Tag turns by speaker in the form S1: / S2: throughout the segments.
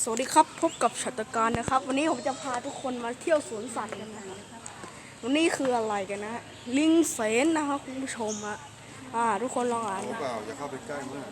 S1: สวัสดีครับพบกับชัตรการนะครับวันนี้ผมจะพาทุกคนมาเที่ยวสวนสัตว์กันนะครับวันนี้คืออะไรกันนะลิงเสนนะครับคุณผู้ชมทุกคนลองอ่านนะ
S2: เปล่าอย่าเข้าไปใกล้มาก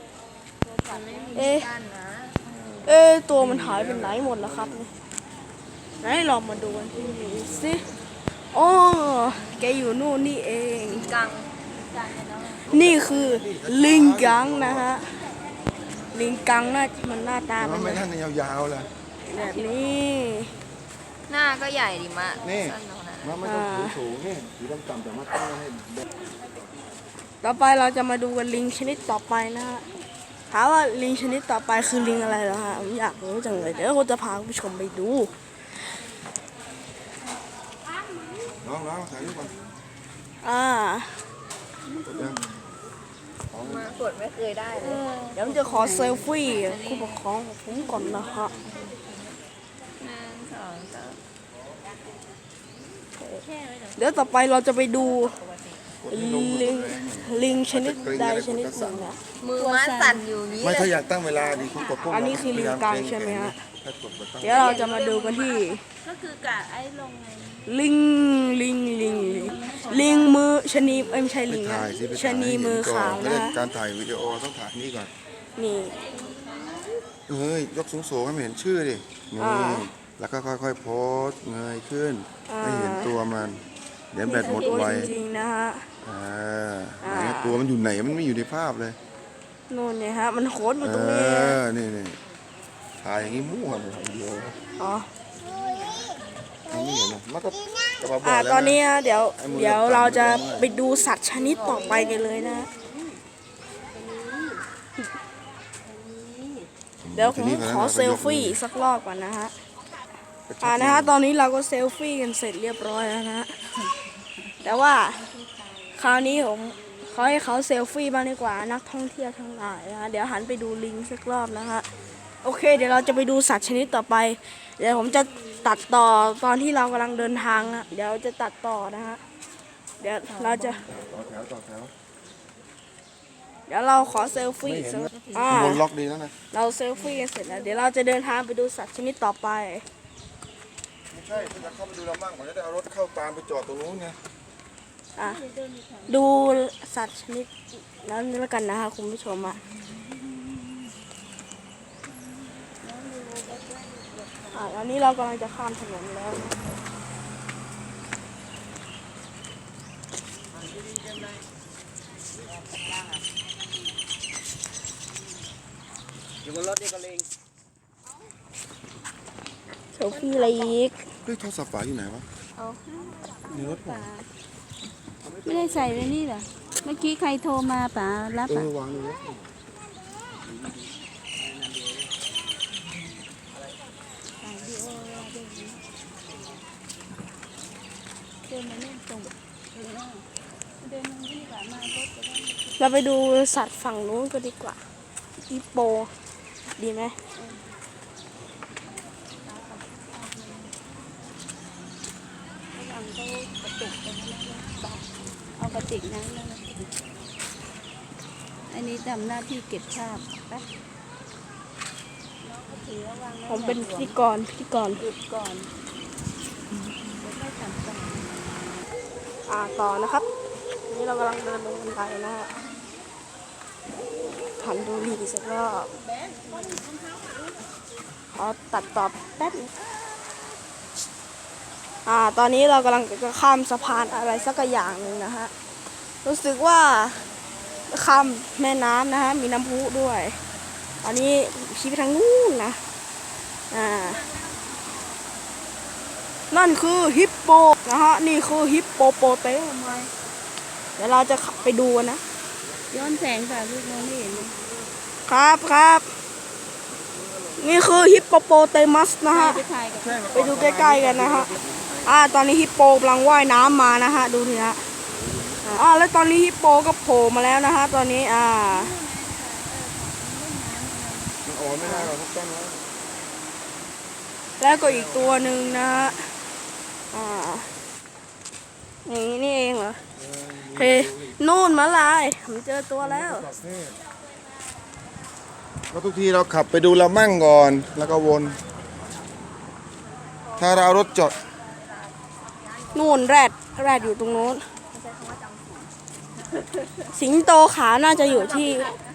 S1: ตัวมันหายไปไหนหมดแล้วครับนี่ไหนลองมาดูกันสิอ๋อแกอยู่นู่นนี่เอง
S3: กัง
S1: นี่คือลิงกังนะฮะลิงกังมันหน้าตาเป็น
S2: ไม่ท่านยาวๆเลย
S1: แบบนี้
S3: หน้าก็ใหญ่ดิมะ
S2: นี่
S3: สั้นตรงนั้น
S2: มันไม่ต้องสูงนี่สีต่ำๆแต่มาตั้งให้
S1: ต่อไปเราจะมาดูกันลิงชนิดต่อไปนะฮะถามว่าลิงชนิดต่อไปคือลิงอะไรเหรอฮะผมอยากรู้จังเลยเดี๋ยวผมจะพาคุณผู้ชมไปดู
S2: น้องถ่ายรูปก่อน
S3: มากดไม่เคยได้เลย
S1: เดี๋ยวผมจะขอเซลฟี่ผู้ปกครองของผมก่อนนะฮะเดี๋ยวต่อไปเราจะไปดูลิงชนิดใดชนิดหนึ่งนะ
S3: มือม้าสั่นอยู่นี้
S2: ไม่ถ้าอยากตั้งเวลาดีคุณกด
S1: อันนี้คือลิงกังใช่ไหมฮะเดี๋ยวเราจะมาดูกันที่
S3: ก็คือกะไอ้ลงไง
S1: ลิงมือชนีไม่ใช่ลิงนะชนีมือขาวนะ
S2: การถ่ายวิดีโอต้องถ่ายนี่ก่อน
S1: นี่
S2: เฮ้ยยกสูงๆให้เห็นชื่อดินี่แล้วก็ค่อยๆโพสเงยขึ้นให้เห็นตัวมันเดี๋ยวแบตหมดไว
S1: จริงๆนะฮะ
S2: ตัวมันอยู่ไหนมันไม่อยู่ในภาพเลย
S1: นู่นเนี่ยฮะมันโคตรอยู่ตรงนี้
S2: นี่ถ่ายอย่างนี้มั่วเลยเดียวไม่เห็นนะมันก็
S1: ตอนนี้เดี๋ยวเราจะไปดูสัตว์ชนิดต่อไปกันเลยนะเดี๋ยวผมขอเซลฟี่สักรอบก่อนนะฮะนะฮะตอนนี้เราก็เซลฟี่กันเสร็จเรียบร้อยแล้วนะแต่ว่าคราวนี้ผมขอให้เขาเซลฟี่บ้างดีกว่านักท่องเที่ยวทั้งหลายนะเดี๋ยวหันไปดูลิงสักรอบนะฮะโอเคเดี๋ยวเราจะไปดูสัตว์ชนิดต่อไปเดี๋ยวผมจะตัดต่อตอนที่เรากำลังเดินทางนะเดี๋ยวจะตัดต่อนะฮะเดี๋ยวเราจะ
S2: ต่อแถว
S1: เดี๋ยวเราขอเซลฟี่
S2: บนล็อกดีแล้วนะ
S1: เราเซลฟี่กันเสร็จแล้วเดี๋ยวเราจะเดินทางไปดูสัตว์ชนิดต่อไป
S2: ไม่ใช่ถ้าจะเข้าไปดูเราบ้างผมจะได้เอารถเข้าตามไปจอดตรงนู้นไง
S1: ดูสัตว์ชนิดนั้นแล้วกันนะคะคุณผู้ชมตอนนี้เรากำลังจะข้ามถนนแล้วนะ
S4: อยู่บนรถนี่ก็ลิง
S1: โซฟี่อะไรอีก
S2: เฮ้ยโทรศัพท์ป๋าอยู่ไหนวะในรถป๋า
S3: ไม่ได้ใส่ไว้นี่เหรอเมื่อกี้ใครโทรมาป๋ารับ
S2: วางเลย
S1: เราไปดูสัตว์ฝั่งนู้นก็ดีกว่าฮิปโปดีไหม
S3: เอากระติกน้ำนั่นอันนี้ทำหน้าที่เก็บภาพไป
S1: ผมเป็นพิธีกร
S3: หยุดก่อน
S1: ต่อนะครับนี่เรากำลังเดินลงบันไดนะฮะหันดูลีสักรอบขอตัดต่อแป๊บนึงตอนนี้เรากำลังจะข้ามสะพานอะไรสักอย่างหนึ่งนะฮะรู้สึกว่าข้ามแม่น้ำนะฮะมีน้ำพุด้วยตอนนี้ชี้ไปทางนู้นนะนั่นคือฮิปโปนะฮะนี่คือฮิปโปโปเตมัสเดี๋ยวเราจะขับไปดูนะ
S3: ย้อนแสงค่ะลูกน้องไม่เห็น
S1: ครับนี่คือฮิปโปโปเตมัสนะฮะไปดูใกล้ๆกันนะฮะตอนนี้ฮิปโปกำลังว่ายน้ำมานะฮะดูทีฮะแล้วตอนนี้ฮิปโปก็โผล่มาแล้วนะฮะตอนนี้
S2: ไม่ได้หรอกทุกต้น
S1: แล้วก็อีกตัวหนึ่งนะฮะอย่างนี้นี่เองเหรอนู่นมาลายผมเจอตัวแล้ว
S2: ราะทุกทีเราขับไปดูเรามั่งก่อนแล้วก็วน ถ้าเราเอารถจอด
S1: นู่นแรดอยู่ตรงโน้น สิงโตขาวน่าจะอยู่ที่